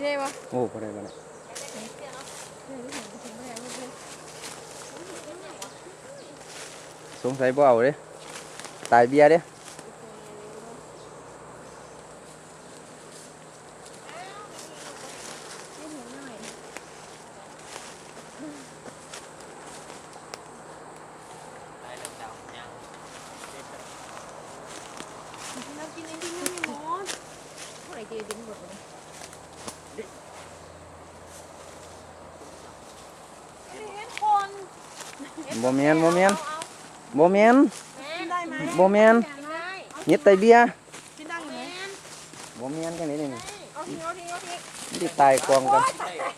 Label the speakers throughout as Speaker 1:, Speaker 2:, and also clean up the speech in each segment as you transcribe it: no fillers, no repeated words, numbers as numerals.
Speaker 1: ได้ปะ
Speaker 2: โอ้บ่ได้สงสัยบ่เอาเด้ตายเบียร์เด้บ่แม่นเฮ็ดไตเบียร์บ่แม่นจังได๋นี่สิตายกองกัน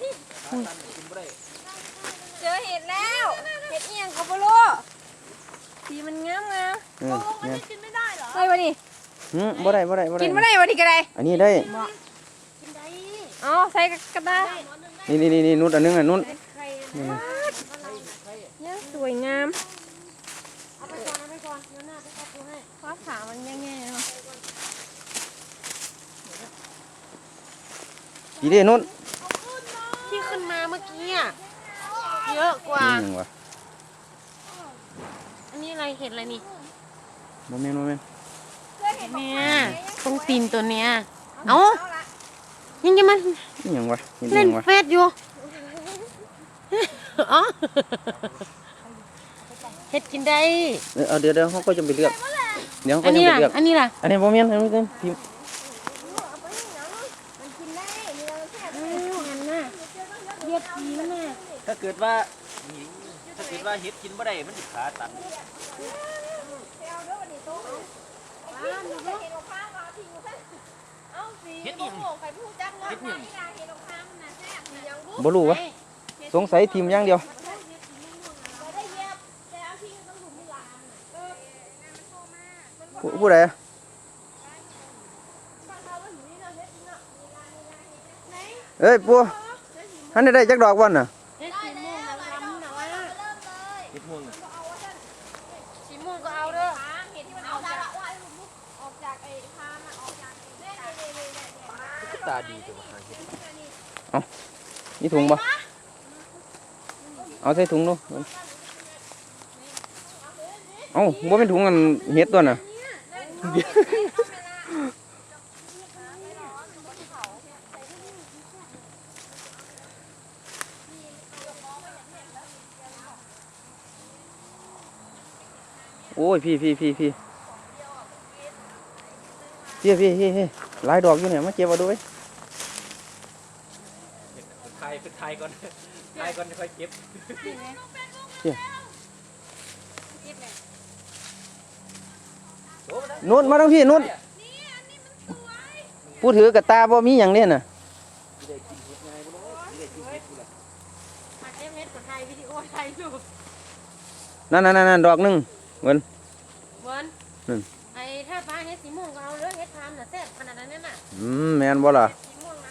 Speaker 1: เจอเห็ดแล้วเห็ดเอียงเขาบ่รู้สีมันงาม
Speaker 2: เนี่ย
Speaker 1: กินไม่ได้เหรอได้ปะนี่
Speaker 2: บ่ได้
Speaker 1: กินไม่ได้วะนี่ก็ได้
Speaker 2: อันนี้ได้
Speaker 1: กินได้อ๋อใส่กระดาษ
Speaker 2: นี่นุชอันนึงอ่ะนุช
Speaker 1: เนี่ยสวยงามเอาไปก่อนเดี๋ยวหน้าไปดูให้เพราะขามันแง่ๆเนาะ
Speaker 2: ดีเด้นุช
Speaker 1: ที่ขึ้นมาเมื่อกี้อ่ะเยอะกว่าอันนี้อะไรเห็ดอะไรนี่
Speaker 2: บ่แม่น
Speaker 1: เนี่ยต้องตีนตัวเนี้ยเอ้ายังจะมัน
Speaker 2: นี่หยังวะ
Speaker 1: เล่นเฟซอยู่อ๋อเห็ดกินได้
Speaker 2: เดี๋ยวเขาก็จะไปเลือกเดี๋ยวเขาก็จะไปเลือก
Speaker 1: อันนี้ล่ะ
Speaker 2: อันนี้บ่แม่นอันนี้เป็นพิมพ์
Speaker 3: ถ้าเกิดว่าเฮ็ดกินบ่ได้มันสิขาตันเฮ็ดอีหยัง
Speaker 2: บ่รู้วะสงสัยทีมอย่างเดียวผู้ใดเอ้ยปัวท่านได้จักดอกวันน่ะ
Speaker 1: สีม่วงก็เอาเด้อ
Speaker 3: ตาดีจังว่า
Speaker 2: เอานี่ถุงบ่เอาใส่ถุงดูเอาบ่เป็นถุงอันเฮ็ดตัวน่ะโอ้ยพี่หลายดอกอยู่เนี่ยมาเก็บเอาด้วย
Speaker 3: ไทยก่อนค่อยเก็บ
Speaker 2: นุ่นมาทั้งพี่นุ่นพูดถือกระตาบ่มีอย่างเนี่ยน่ะนั่นดอกนึงเหมือน
Speaker 1: ไอ้ถ้าปลาเฮ็ดสีม่วงก็เอาเด้อเฮ็ดทามน่ะแซ่บขนาดนั้นน่ะ
Speaker 2: แม่นบ่ล่ะ
Speaker 1: สีม่วงน่ะ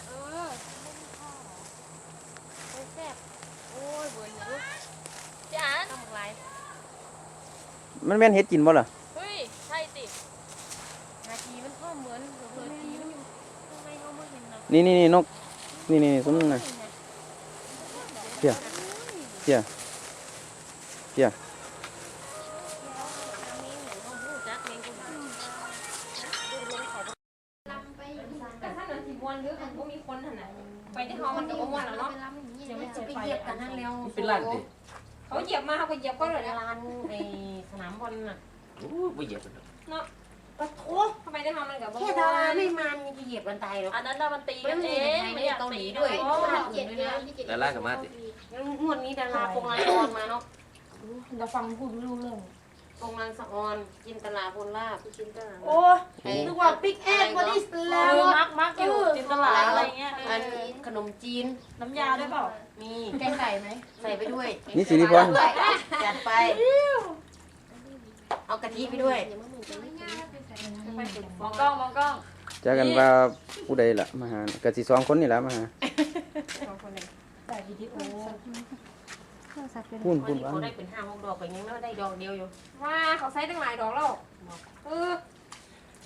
Speaker 1: แซ่บโอ้ยเบิ่นอยู่จ้าทำไร
Speaker 2: มันแม่นเฮ็ดกินบ่ล่ะ
Speaker 1: เฮ้ยใช่สินาทีมันก็เหมือนเผลอทีมันอยู่ข้างในเฮาบ่เห็นนะ
Speaker 2: นี่นกนี่ซุ้มนึงน่ะเพีย
Speaker 1: ไปที่เขามันก็บ่ม่วนแล้วเนาะเดี๋ยวมันจะไปเหยียบกันนั่นแล้ว
Speaker 3: เป็นล้านดิ
Speaker 1: เขาเหยียบมาเขาก็เหยียบก็เลยลานในสนามบอลน่ะ
Speaker 3: โอ้บ่เหยียบ
Speaker 1: เนาะปะโถทำไมได้ทำมันกับบ่
Speaker 4: แค่ดาราไม่มันจะเหยียบกันตายหรอก
Speaker 1: อันนั้นมันตีกันเอง
Speaker 4: ไม่เกาหลีด้วย
Speaker 3: ดาราก็มาสิ
Speaker 4: งวดนี้ดาราปงลางออนมาเนาะ
Speaker 1: เราฟังพูดไม่รู้เรื่อง
Speaker 4: ปงลางสะออนจินตลาพลลาบ
Speaker 1: โอ้นึกว่าบิ๊กแอดบอดี้สแลมมักอยู่จินตลาอะไรเงี้ย
Speaker 4: อันขนมจีน
Speaker 1: น้ำยาด้วยเปล่า
Speaker 4: มี
Speaker 1: แกงไก่ไหม
Speaker 4: ใส่ไปด้วย
Speaker 2: นี่สิริพร
Speaker 4: จัดไปเอากะทิไปด้วย
Speaker 1: มองกล้อง
Speaker 2: เจอกันว่าผู้ใดล่ะมาหากะสิ2คนนี่ล่ะมาหา
Speaker 1: แต่วิดีโอ
Speaker 4: พูดว่าเขาได้เป็น5-6 ดอกไปยังไม่ได้ดอกเดียวอยู่
Speaker 1: ว่าเขาใช้ตั้งหลายดอกแล้ว